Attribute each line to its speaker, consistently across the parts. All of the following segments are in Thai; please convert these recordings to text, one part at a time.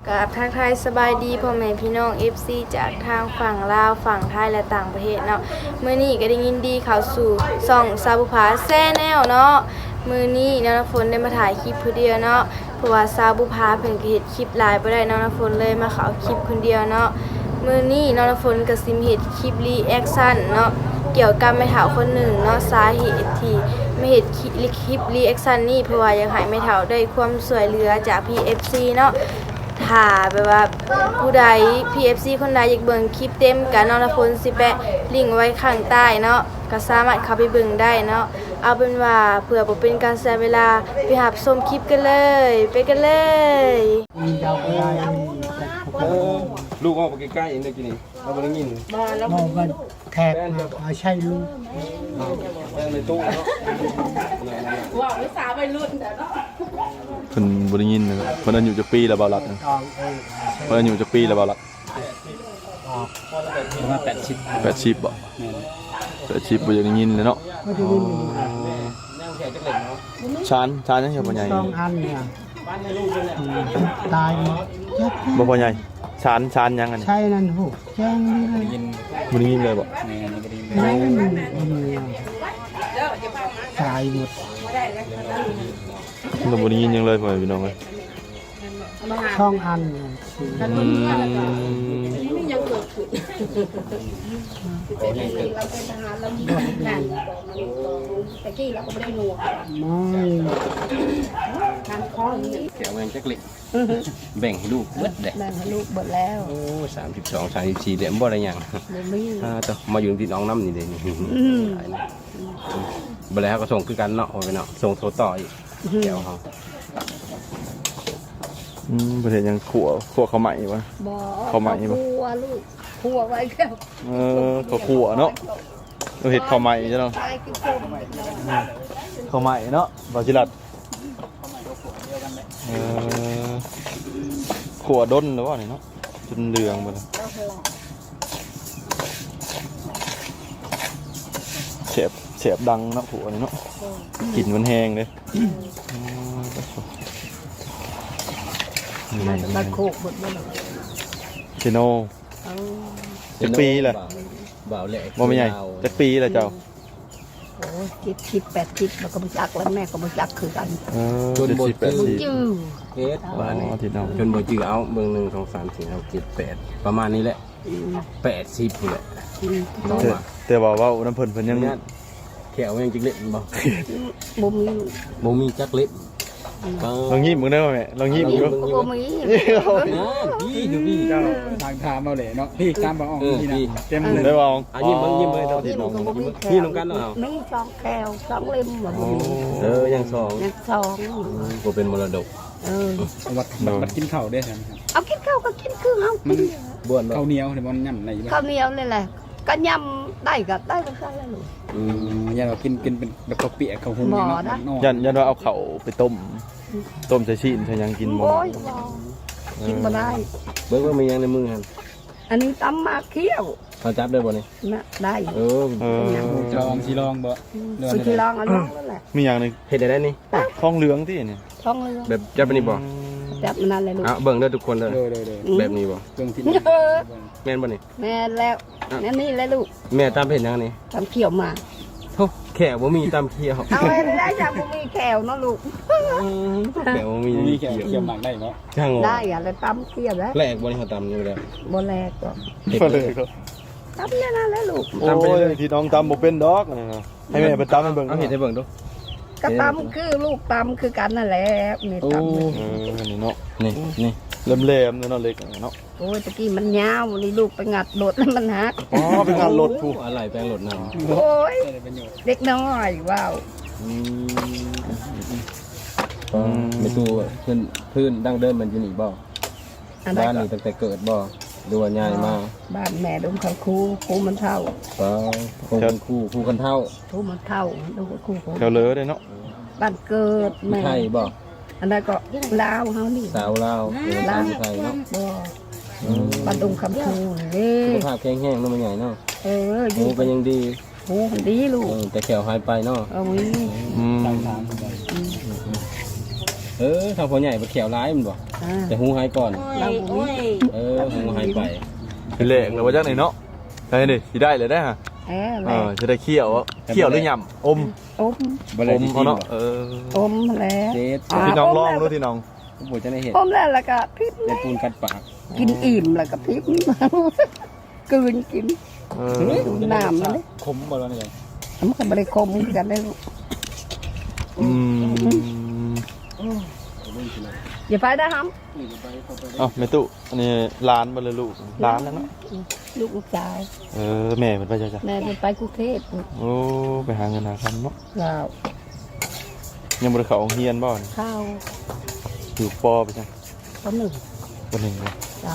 Speaker 1: กับทักทายสบายดีพ่อแม่พี่น้อง FC จากทางฝั่งลาวฝั่งไทยและต่างประเทศเนาะมื้อนี้ก็ได้ยินดีเข้าสู่ช่องซาบุภาแซ่แนวเนาะมื้อนี้น้องน้ำฝนได้มาถ่ายคลิปผู้เดียวเนาะเพราะว่าซาบุภาเพิ่นก็เฮ็ดคลิปหลายบ่ได้น้องน้ำฝนเลยมาเข้าคลิปคนเดียวเนาะมื้อนี้น้องน้ำฝนก็สิเฮ็ดคลิปรีแอคชั่นเนาะเกี่ยวกับแม่เฒ่าคนหนึ่งเนาะสาเหตุที่ไม่เฮ็ดคลิปรีแอคชั่นนี้เพราะว่าอยากให้แม่เฒ่าได้ความช่วยเหลือจาก PFC เนาะถ้าแบบว่าผู้ใด PFC คนใดอยากเบิ่งคลิปเต็มกันน้องน้ำฝนสิแปะลิงก์ไว้ข้างใต้เนาะก็สามารถเข้าไปเบิ่งได้เนาะเอาเป็นว่าเพื่อบ่เป็นการเสียเวลาไปรับชมคลิปกันเลยไปกันเลย
Speaker 2: ลูกออกไปใกล้ๆเองได้กินนี่เราบ่ได้ยิน
Speaker 3: มองกันแขกมาใช่ลูก
Speaker 2: แม่ในตู้เนาะ
Speaker 1: ว่าวิสาวัยรุ่นเด้อเนาะ
Speaker 4: เพิ่นบ่ได้ยินนะครับเพิ่นอายุจักปีแล้วบ่าวรัดเพิ่นอายุจักปีแล้วบ่าวรัด
Speaker 3: ประมาณ
Speaker 4: 80บ่80บ่อยากได้ยินเลยเนาะชานยังบ่ใหญ่
Speaker 3: 2 อันเนี่ยตายหมด
Speaker 4: บ่ใหญ่ชานยังอันนี้
Speaker 3: ใช่นั่นโหแจ้งนี่เลย
Speaker 4: บ่ได้ยินเลยบ่
Speaker 3: ไม่ตายหมด
Speaker 4: เราบ่ได้ยินยังเลยพ่อพี่น้องเอ้ย
Speaker 3: 2 อันเนี่ย
Speaker 1: นี่ยังเกิดขึ้นเราเป็นทหารเรามีการแต่กี้เราก็ไม่ได้หนวก
Speaker 3: ไม่
Speaker 1: การคล้อง
Speaker 2: แกวแมงจักเล็กแบ่งให้ลูกเบิดเด้
Speaker 1: แบ่งให้ลูกเบิดแล้ว
Speaker 2: โอ้32 34เด้บ่ได้หยังต่อมาอยู่ที่น้องน้ำนี่เด้นี่บ่แล้วก็ส่งคือกันเนาะไปเนาะส่งโทรต่ออีกแก้วเฮา
Speaker 4: ประเทศยังขั่วข้าวใหม่วะข้าวใหม่บ่
Speaker 1: ขั่วลูกขั่วไว้แล้ว
Speaker 4: ก็ขั่วเนาะเราเฮ็ดข้าวใหม่จ้ะเนาะข้าวใหม่เนาะบ่สิรัดขั่วด้นหรือว่านี่เนาะจนเหลืองหมดแล้วเสียบดังเนาะขั่วนี่เนาะกลิ่นมันแห้งเลย
Speaker 1: มาโคกหมดเลย
Speaker 4: เชโนจักปีแหละ
Speaker 2: บ่าวแหลก
Speaker 4: บ่ไม่ใหญ่จักปีแหละเจ้า
Speaker 1: โอ้ย70 80แล้วก็บ่จักแล้วแม่ก็บ่จักคือกัน
Speaker 2: จนบ่
Speaker 1: จื้อ
Speaker 2: เฮ็ดบ้านนี้จนบ่จื้อเอาเบิ่ง1 2 3 4 5 7 8ประมาณนี้แหละ80พุ่นแหละ
Speaker 4: แต่ว่าน้ำเพิ่นยัง
Speaker 2: แขวยังจักเล็กบ่
Speaker 1: บ่มี
Speaker 2: จักเล็ก
Speaker 4: ลองยิ้มมึงได้ไหมลองยิ้มมึง
Speaker 1: บ่มี
Speaker 2: พี่ดูพี่เจ้า
Speaker 3: ทางทามเอาเลยเนาะพี่ตามบ่ออกพี่นะ
Speaker 4: เต็มเลยได้บ่
Speaker 2: ยิ้มเลยตอนที่น้องยิ้มลงกันเนาะ
Speaker 1: มี2แก้ว2เล่มบ่
Speaker 2: ยัง2บ่เป็นมรดก
Speaker 3: วัดกินข้าวได้ใช่มั้ยครับ
Speaker 1: เอากินข้าวก็กินคือเฮากิน
Speaker 2: บ้วน
Speaker 3: ข้าวเหนียวนี่บ่ย่ำไหน
Speaker 1: ข้าวเหนียวนี่แหละก็ย่ำได้ก็ได้ก็ซั่นแล้วลูก
Speaker 3: ยันว่ากินเป็นแบบข้าวเปียกข้าวหุง
Speaker 1: เนาะ
Speaker 4: ยันว่าเอาข้าวไปต้มใส่ชีนใส่ยังกินบ่
Speaker 1: โอ้ยกินบ่ได้
Speaker 2: เบิ่งว่ามียังในมือหั่น
Speaker 1: อันนี้ตำมาเคี่ยว
Speaker 2: เขาจับได้บ่นี่
Speaker 1: น่ะได้
Speaker 3: ลองสิลองบ่
Speaker 1: สิลองเอาลองนั่นแหละ
Speaker 4: มีอย่างนึง
Speaker 2: เฮ็ดได้นี่
Speaker 4: ทองเหลืองที่นี่
Speaker 1: ทองเหลือง
Speaker 2: แบบจับนี่บ่
Speaker 1: จับมันนั่นเลยลูก
Speaker 2: เบิ่งเด้อทุกคนเด้อแบบนี้บ่
Speaker 3: เบิ่งที่
Speaker 2: แม่นบ่นี่
Speaker 1: แม่แล้วนั่นนี่แหละลูก
Speaker 2: แม่ตำเฮ็ดยังนี่
Speaker 1: ตำเคี่ยวมา
Speaker 2: โธ่แขวบ่มีตำเคี่ยว
Speaker 1: เอาได้จังบ่มีแขวเนาะลูก
Speaker 2: แขวบ่มี
Speaker 3: แขวหมักได้บ่
Speaker 2: ช่าง
Speaker 1: ได้อ่ะแล้วตำเคี่ยวแล้ว
Speaker 2: แลกบ่นี่เฮาตำอยู่แล้ว
Speaker 1: บ่แลกก็ตำนั่นแหละลูก
Speaker 4: ตำไปเลยที่น้องตำบ่เป็นดอกให้แม่ไปตำให้เบิ่ง
Speaker 2: เอาเฮ็ดให้เบิ่งดู
Speaker 1: ก็ตำคือลูกตำคือกันนั่นแหละนี่ตำ
Speaker 4: นี่เนาะ
Speaker 2: นี่
Speaker 4: เล่มๆเนาะเล็กเนาะ
Speaker 1: โอ้ยตะกี้มันยาวนี่ลูกไปงัดรถแล้วมันหัก
Speaker 4: ไปงัดรถผู้
Speaker 2: อะไรแปลงรถนำ
Speaker 1: โอ้ยเด็กน้อยว้าว
Speaker 2: ไม่ตู้พื้นดั้งเดิมมันอยู่นี่บ่บ้านนี่ตั้งแต่เกิดบ่ดูว่าใหญ่มา
Speaker 1: บ้านแม่ดมเขาครูมันเท่า
Speaker 2: ครูกันเท่า
Speaker 1: ครูมันเท่าดูครู
Speaker 4: แถวเลอได้เนาะ
Speaker 1: บ้านเกิดแม่
Speaker 2: ไทยบ่
Speaker 1: อันนั้นก็ลาวเฮานี่
Speaker 2: สาวลาวไทยเนาะ
Speaker 1: บ่บ้านดงคำคูนี่
Speaker 2: สุขภาพแข็งแรงเนาะมันใหญ่เนาะหูก็ยังดี
Speaker 1: หูดีลูก
Speaker 2: แต่แขวหายไปเนาะ
Speaker 1: มี
Speaker 2: ทางพ่อใหญ่บ่แขวร้ายมันบ่แต่หูหายก่อน
Speaker 5: เราบ่มี
Speaker 2: หูหายไป
Speaker 4: เป็นเลขแล้วว่าจักไหนเนาะได้ดิสิได้เลยได้ฮะจะได้เคี่ยวหรือยำอม
Speaker 2: บ่ได้
Speaker 4: อม
Speaker 2: สิ
Speaker 4: เอาเนาะ
Speaker 3: อมแล้ว
Speaker 2: เด็ด
Speaker 4: ที่น้องร้องรู้ที่น้อง
Speaker 2: บ่จะได้เห็น
Speaker 3: อมแล้วก็พริบ
Speaker 2: เป็นปูนกัดปาก
Speaker 3: กินอิ่มแล้วก็พริบกลืนกินน้ำมันเลย
Speaker 2: คมบ่แล้วนี่
Speaker 3: มันก็บริคมกันได้ลูกอย่าไปได้ครับ
Speaker 4: เอ้าแม่ตู้อันนี้ร้านบ่เลยลูกร้านแล้วเนาะ
Speaker 3: ลูกชาย
Speaker 4: แม่มันไปจ้ะ
Speaker 3: แม่ไปกรุงเทพ
Speaker 4: โอ้ไปหาเงินหาคำเนาะ
Speaker 3: เรา
Speaker 4: ยังบ่ได้เข้าโรงเรียนบ่นี่
Speaker 3: ข้าว
Speaker 4: อยู่ปไปจ้ะ
Speaker 3: เขาหนึ่ง
Speaker 4: บ่หนึ่งเลย
Speaker 3: จ้า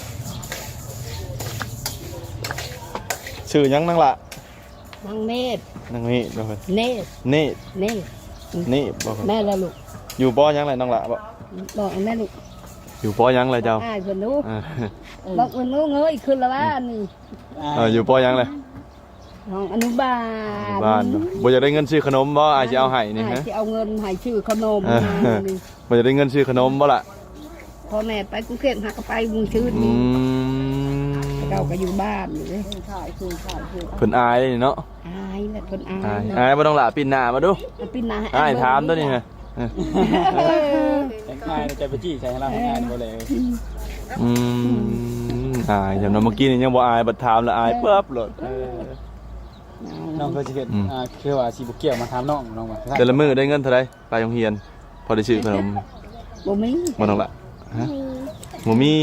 Speaker 4: ชื่อหยังนั่งล่ะ
Speaker 3: นางเนตร
Speaker 4: นั่งนี่บ่เพิ่น
Speaker 3: เนตร
Speaker 4: นี่
Speaker 3: เนตร
Speaker 4: นี่บ่เพิ่น
Speaker 3: แม่ละลูก
Speaker 4: อยู่ปหยังไรน้องล่ะบ่
Speaker 3: บอกแม่ลูก
Speaker 4: อยู่ปหยังไรเจ้า
Speaker 3: อ้ายเพิ่นรู้บอกเพิ่นรู้เงยขึ้นแล้วว่านี่
Speaker 4: อยู่ปหยังเลย
Speaker 3: ห้องอนุบาล
Speaker 4: บ้านบ่อยากได้เงินซื้อขนมบ่อาจจะเอาให้นี่ฮะ
Speaker 3: จะเอาเงินให้ชื่อขนม
Speaker 4: บ่อยากได้เงินซื้อขนมบ่ล่ะ
Speaker 3: พ่อแม่ไปกรุงเทพหาก็ไปมุงชื่น
Speaker 4: อื
Speaker 3: นี่
Speaker 4: ม
Speaker 3: เราก็อยู่บ้านอยู่เลย
Speaker 4: เพิ่นอายนี่เนาะ
Speaker 3: อายแหละคนอา
Speaker 4: อาย
Speaker 3: ย
Speaker 4: อายบ่ต้องล่ะปิ่นหน้ามาดู
Speaker 3: ปีนหนา
Speaker 4: อายถามตัวนี้ฮะ
Speaker 2: ง่ายใจไปจี้ใส่ให้เราง่ายบ่เลย
Speaker 4: อืมอายจำนั้นเมื่อกี้นี่ยังบ่อายบัดถามแล้วอายปั๊บโลด
Speaker 2: น้องเคยสิเฮ็ดคือว่าสิบ่เกี่ยวมาถามน้องว่า
Speaker 4: แต่ละมื้อได้เงินเท่าใดไปโรงเรียนพอได้ซื้อขนม
Speaker 3: บ่มี
Speaker 4: บ่ต้องล่ะฮะบ่มี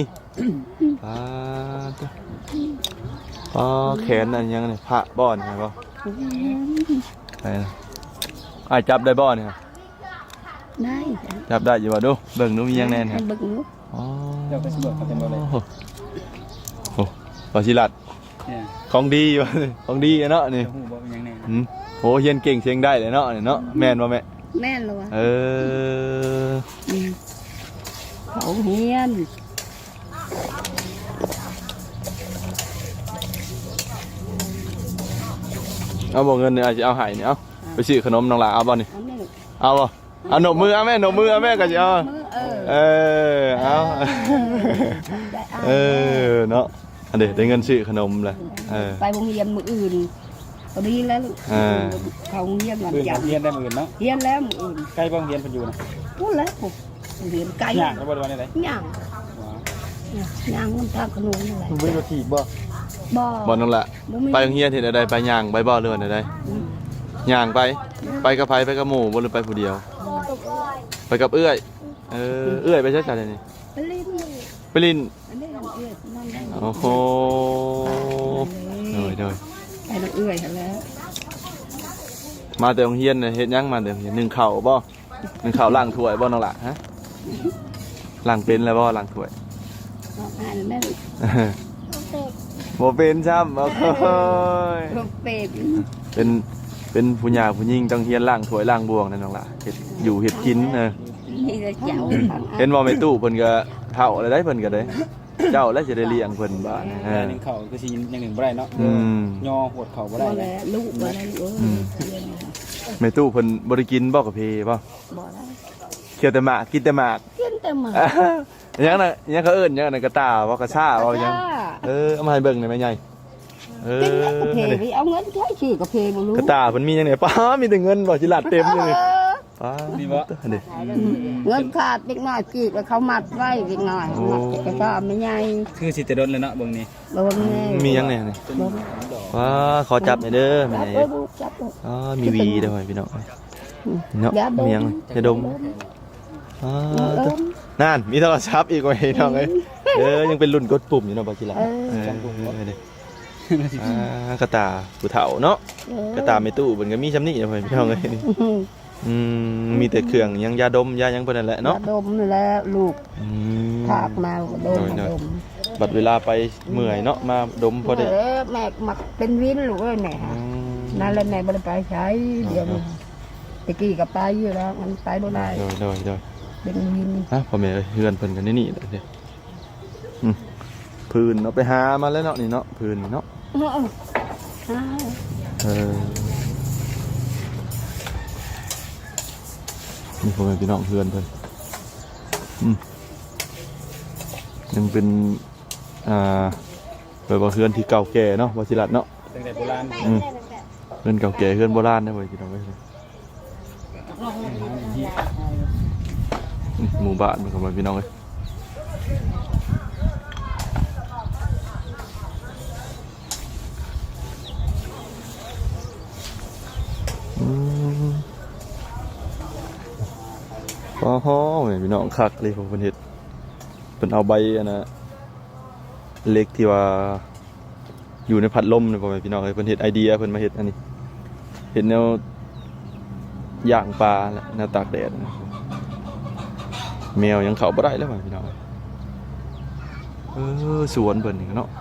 Speaker 4: แขนอันยังนี่พระบ่อนใช่บ่ไปนะอ้ายจับได้บ่เนี่ย
Speaker 3: ได้
Speaker 4: จับได้อยู่บ่ดูเบิ่งดูมียังแน่น
Speaker 3: ให้
Speaker 4: ฮะ
Speaker 3: เบิ่งลูก
Speaker 4: อ๋อ
Speaker 2: เดี๋ยวไปสำรวจกันเต็มบ่เลย
Speaker 4: โอ้ปาชิลัด
Speaker 2: เนี่ย
Speaker 4: ของดีอยู่ ของดีเนาะนี่
Speaker 2: ฮู้บ่เป็นหยังแน่
Speaker 4: โหเฮียนเก่งเสียงได้เลยเนาะนี่เนาะแม่นบ่แม่
Speaker 3: แม่นแล้ววะ
Speaker 4: เออ
Speaker 3: เขาเฮียน
Speaker 4: เอาบ่เงินนี่อาจจะเอาให้นี่เอาไปซื้อขนมน้องหลาเอาบ่นี่
Speaker 3: เอาแม่ลูก
Speaker 4: เอาบ่เอาหนบมือเอาแม่หนบมือเอาแม่ก็สิเอา
Speaker 3: มือ
Speaker 4: เอา เออเนาะอันเดี๋ยวได้เงินซื้อขนมเลย
Speaker 3: ไปโรงเรียนมื้ออื่นตอนนี้แล้วลูกเขาโรงเรียนวันจันทร์
Speaker 2: เรียนได้มื้อเนาะ
Speaker 3: เรียนแล้วมื้ออื่น
Speaker 2: ใกล้บ่เรียนเพิ่นอยู่นะ
Speaker 3: พูดแล้วผมเรียนไกล
Speaker 2: ยากบ่ได้ว่าได้
Speaker 3: ย่างย่างมันทางขนมนี่แหละ
Speaker 2: บ่มีรถถีบบ่
Speaker 3: บ่
Speaker 4: บ่นั่นแหละไปโรงเรียนเห็นอะไรไปย่างไปบ่เรือนอะไรย่างไปกับไผไปกับหมู่บ่หรือไปผู้เดียว ไปกับเอื้อยเอื้อยไปใช้จ่ายนี่
Speaker 3: ไปเล่น
Speaker 4: ไปลิน
Speaker 3: อันนี้เอื้อยนั่นได้
Speaker 4: โอ้โหเดย
Speaker 3: ไปน้องเอื้อยแล้ว
Speaker 4: มาแต่โรงเรียนเนี่ยเฮ็ดหยังมาแต่โรงเรียนนึ่งข้าวบ่นึ่งข้าวล้างถ้วยบ่น้องล่ะฮะล้างเป็นแล้วบ่ล้างถ้วย
Speaker 3: อ่านแม่ลูก
Speaker 4: บ่เป็นซ้ำบ่เคย
Speaker 3: เป็ด
Speaker 4: เป็นผู้หญิงผู้หญิงต้องเฮียนล้างถ้วยล้างบวงนั่นน้องล่ะเฮ็ดอยู่เฮ็ดกิน
Speaker 3: นี่จะเจ้า
Speaker 4: เห็นบ่แม่ตู้เพิ่นก็เฒ่าแล้วได้เพิ่นก็ได้เจ้าแล้วสิได้เลี้ยงเพิ่นบ่
Speaker 2: นึงเข้าคือสิอย่างหนึ่งบ่ได้เนาะย่อหดเข้าบ่ได้
Speaker 3: บ่แล้วลูกบ่ได้ลูก
Speaker 4: แม่ตู้เพิ่นบ่ได้กินบ่กะเพบ่
Speaker 3: บ่ได้
Speaker 4: เคี่ยวแต่หมากกินแต่หมาก
Speaker 3: กินแต่หมา
Speaker 4: ยังน่ะยังเขาเอิ้นยังน่ะกระตาบ่กระซ่าบ่ยังเอามาให้เบิ่งหน่อยแม่ใหญ่
Speaker 3: กินแล้วกาแฟไปเอาเงินใช้ชื่อกาแฟบ่รู้
Speaker 4: กระตาเพิ่นมีจังได๋ป้ามีแต่เงินบ่สิลาดเต็มอยู่นี่ป้า
Speaker 2: มีบ่
Speaker 4: เด้
Speaker 3: เงินขาดเล็กน้อยจีบแล้วเขามัดไว้เล็กน้อยมัดก็ไม่ใหญ่
Speaker 2: คือสิแต่ดนเลยเนาะเบิ่งนี่
Speaker 3: บ่แม่
Speaker 4: มียังแน่นี่ว้าขอจับหน่อยเด้อแม่
Speaker 3: จับ
Speaker 4: ใหญ่
Speaker 3: ลูกจับลูก
Speaker 4: อ๋อมีหวีด้วยพี่น้องเนาะมียังจะดมนั่นมีโทรศัพท์อีกว่าพี่น้องเอ้ยยังเป็นรุ่นกดปุ่มอยู่เนาะบ่สิล่ะกระตาผู้เฒ่าเนาะกระตาไม่ตู้เพิ่นก็มีซำนี้เนาะพี่น้องเอ้ยมีแต่เครื่องยังยาดมยายังเพิ่นนั่นแหละเนาะ
Speaker 3: ดมแล้วลูกถากมาดม
Speaker 4: บัดเวลาไปเมื่อยเนาะมาดมพอได้
Speaker 3: แม่มักเป็นวินลูกเอ้ยแม่นั่นแหละแม่บ่ได้ไปใช้เดี๋ยวตะกี้ก็ไปอยู่แล้วมันไปบ่ได้
Speaker 4: โดย
Speaker 3: เป็นวิน
Speaker 4: ฮะพ่อแม่เฮือนเพิ่นกันนี่เด้พื้นเนาะไปหามาแล้วเนาะนี่เนาะพื้นเนาะนี่พ่อแม่พี่น้องเฮือนเพิ่นยังเป็นแบบว่าเฮือนที่เก่าแก่เนาะวชิรัตน์เนาะ
Speaker 2: ตั้งแต่โบราณ
Speaker 4: เฮือนเก่าแก่เฮือนโบราณนะเว้ยพี่น้องเว้ยนี่หมู่บ้านมันก็มาพี่น้องเว้ยอ๋อพี่น้องคักเลยผมเป็นเห็ดเป็นเอาใบอันนะเล็กที่ว่าอยู่ในพัดลมเนี่ยผมพี่น้องเลยเป็นเห็ดไอเดียเพิ่นมาเห็ดอันนี้เห็ดแนวย่างปลาแนวตากแดดแมวยังเข้าบ่ได้แล้วพี่น้องสวนเพิ่นนี่เนาะ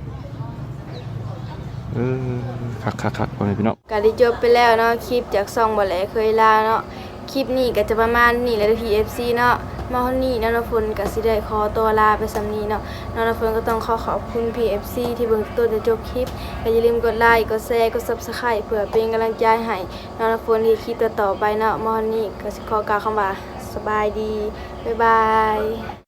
Speaker 4: คักๆพี่น้อง
Speaker 1: ก็ได้จบไปแล้วเนาะคลิปจากซองบ่แลเคยลาเนาะคลิปนี้ก็จะประมาณนี้แหละที่ FC เนาะมาวันนี้น้องฝนก็สิได้ขอตัวลาไปสำนี้เนาะน้องฝนก็ต้องขอบคุณ PFC ที่เบิ่งต้นจนจบคลิปก็อย่าลืมกดไลค์กดแชร์กด Subscribe เพื่อเป็นกำลังใจให้น้องฝนที่คลิปต่อๆไปเนาะมาวันนี้ก็สิขอกล่าวคำว่าสบายดีบ๊ายบาย